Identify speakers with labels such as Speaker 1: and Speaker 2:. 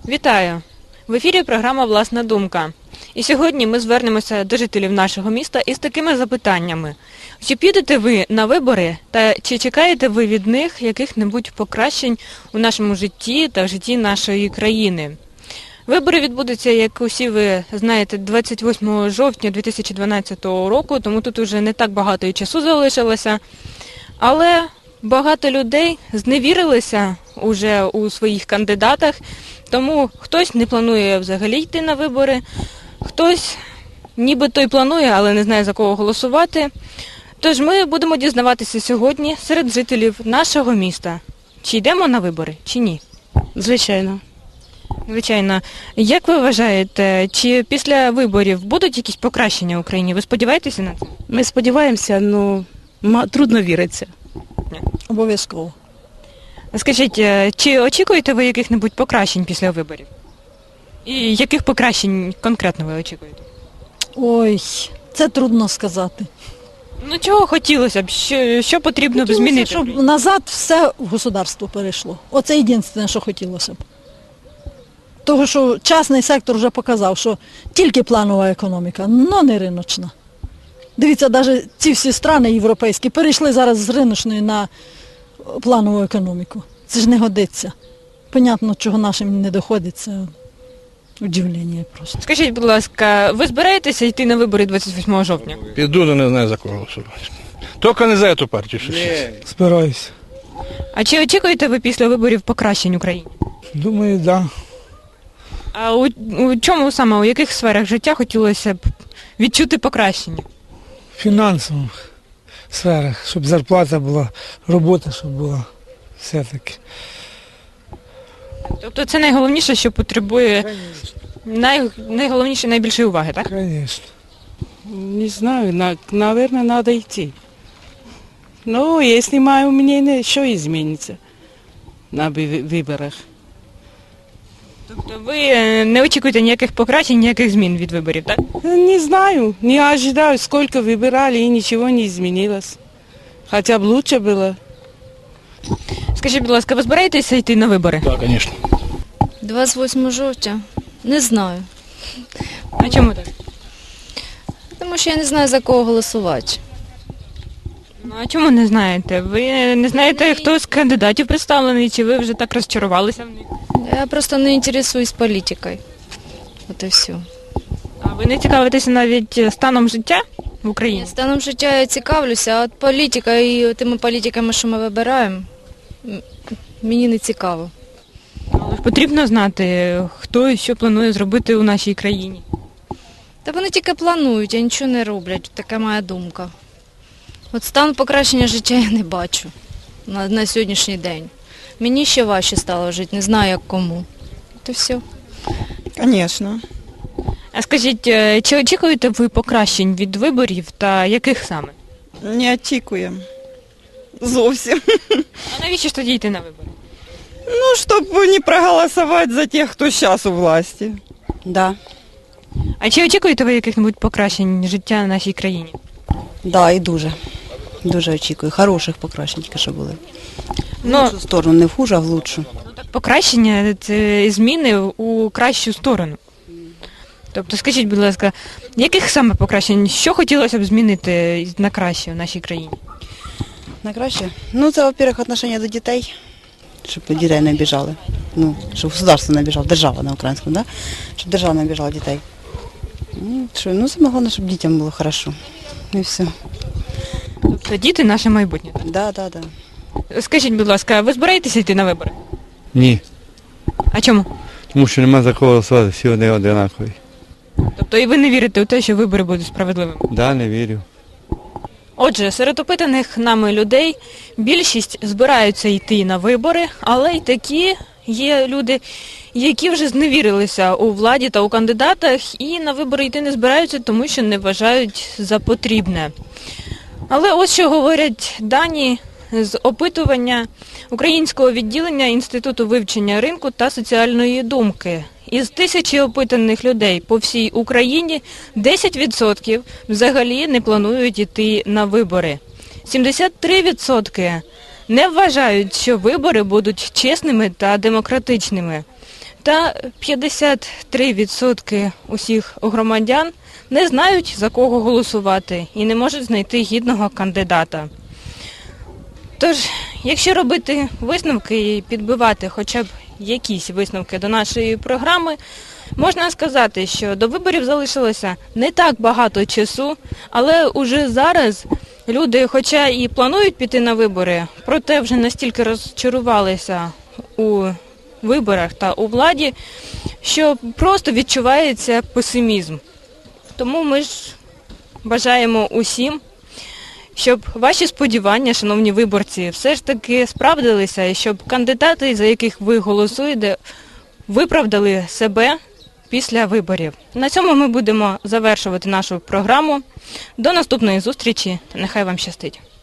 Speaker 1: Вітаю! В ефірі програма «Власна думка». І сьогодні ми звернемося до жителів нашого міста із такими запитаннями. Чи підете ви на вибори та чи чекаєте ви від них яких-небудь покращень у нашому житті та в житті нашої країни? Вибори відбудуться, як усі ви знаєте, 28 жовтня 2012 року, тому тут вже не так багато і часу залишилося. Але багато людей зневірилися уже у своїх кандидатах, тому хтось не планує взагалі йти на вибори, хтось нібито й планує, але не знає, за кого голосувати. Тож ми будемо дізнаватися сьогодні серед жителів нашого міста, чи йдемо на вибори, чи ні.
Speaker 2: Звичайно.
Speaker 1: Звичайно. Як ви вважаєте, чи після виборів будуть якісь покращення в Україні? Ви сподіваєтеся на це?
Speaker 2: Ми сподіваємося, але трудно віриться.
Speaker 3: Обов'язково.
Speaker 1: Скажіть, чи очікуєте ви яких-небудь покращень після виборів? І яких покращень конкретно ви очікуєте?
Speaker 3: Ой, це трудно сказати.
Speaker 1: Ну чого хотілося б? Що потрібно б змінити?
Speaker 3: Щоб назад все в государство перейшло. Оце єдине, що хотілося б. Того, що частний сектор вже показав, що тільки планова економіка, але не риночна. Дивіться, навіть ці всі країни європейські перейшли зараз з риночної на планову економіку. Це ж не годиться. Понятно, чого нашим не доходить, це удивлення просто.
Speaker 1: Скажіть, будь ласка, ви збираєтеся йти на вибори 28 жовтня?
Speaker 4: Піду, але не знаю, за кого голосувати. Тільки не за цю партію.
Speaker 5: Збираюся.
Speaker 1: А чи очікуєте ви після виборів покращень в Україні?
Speaker 5: Думаю, да.
Speaker 1: А у чому саме, у яких сферах життя хотілося б відчути покращення?
Speaker 5: В фінансових сферах, щоб зарплата була, робота, щоб була все-таки.
Speaker 1: Тобто це найголовніше, що потребує найголовніше, найбільшої уваги, так?
Speaker 5: Звісно.
Speaker 2: Не знаю, наверное, надо идти. Но если мое мнение, что изменится на выборах?
Speaker 1: Тобто ви не очікуєте ніяких покращень, ніяких змін від виборів, так?
Speaker 2: Не знаю, не ожидаю, сколько выбирали и ничего не изменилось. Хотя бы лучше было.
Speaker 1: Скажіть, будь ласка, ви збираєтеся йти на вибори?
Speaker 4: Так, звісно.
Speaker 6: 28 жовтня? Не знаю.
Speaker 1: А чому так?
Speaker 6: Тому що я не знаю, за кого голосувати.
Speaker 1: Ну, а чому не знаєте? Ви не знаєте, хто з кандидатів представлений, чи ви вже так розчарувалися в них?
Speaker 6: Я просто не інтересуюсь політикою. От і все.
Speaker 1: А ви не цікавитеся навіть станом життя в Україні?
Speaker 6: Станом життя я цікавлюся, а от політика і тими політиками, що ми вибираємо, мені не цікаво.
Speaker 1: Але ж потрібно знати, хто і що планує зробити у нашій країні.
Speaker 6: Та вони тільки планують, а нічого не роблять. Така моя думка. От стан покращення життя я не бачу на сьогоднішній день. Мені ще важче стало жити, не знаю, як кому. От і все.
Speaker 7: Звісно.
Speaker 1: А скажіть, чи очікуєте ви покращень від виборів та яких саме?
Speaker 7: Не очікуємо. Зовсім.
Speaker 1: А навіщо ж тоді йти на вибори?
Speaker 7: Ну, щоб не проголосувати за тих, хто зараз у власті.
Speaker 8: Да,
Speaker 1: А чи очікуєте ви яких-небудь покращень життя в нашій країні?
Speaker 8: да, і дуже. Дуже очікую. Хороших покращень тільки що були. В
Speaker 1: Ну,
Speaker 8: лучшу сторону, не в хуже, а в лучшу.
Speaker 1: покращення – це зміни у кращу сторону. Тобто, скажіть, будь ласка, яких саме покращень, що хотілося б змінити на краще в нашій країні?
Speaker 8: На краще? Ну, це, во-первых, отношення до дітей, щоб дітей не обіжали. Ну, щоб государство не обіжало, держава на українському, да? Щоб держава не обіжала дітей. Ну, саме головне, щоб дітям було хорошо. І все.
Speaker 1: Тобто діти – наше майбутнє.
Speaker 8: Да, да, да.
Speaker 1: Скажіть, будь ласка, ви збираєтеся йти на вибори?
Speaker 9: Ні,
Speaker 1: А чому?
Speaker 9: тому що нема за кого голосувати, всі вони одинакові.
Speaker 1: Тобто і ви не вірите у те, що вибори будуть справедливими?
Speaker 9: Да, не вірю.
Speaker 1: Отже, серед опитаних нами людей більшість збираються йти на вибори, але й такі є люди, які вже зневірилися у владі та у кандидатах і на вибори йти не збираються, тому що не вважають за потрібне. Але ось що говорять дані з опитування Українського відділення Інституту вивчення ринку та соціальної думки. Із 1000 опитаних людей по всій Україні 10% взагалі не планують йти на вибори. 73% не вважають, що вибори будуть чесними та демократичними. Та 53% усіх громадян не знають, за кого голосувати і не можуть знайти гідного кандидата. Тож, якщо робити висновки і підбивати хоча б якісь висновки до нашої програми, можна сказати, що до виборів залишилося не так багато часу, але уже зараз люди, хоча і планують піти на вибори, проте вже настільки розчарувалися у виборах та у владі, що просто відчувається песимізм. Тому ми ж бажаємо усім, щоб ваші сподівання, шановні виборці, все ж таки справдилися, і щоб кандидати, за яких ви голосуєте, виправдали себе після виборів. На цьому ми будемо завершувати нашу програму. До наступної зустрічі та нехай вам щастить.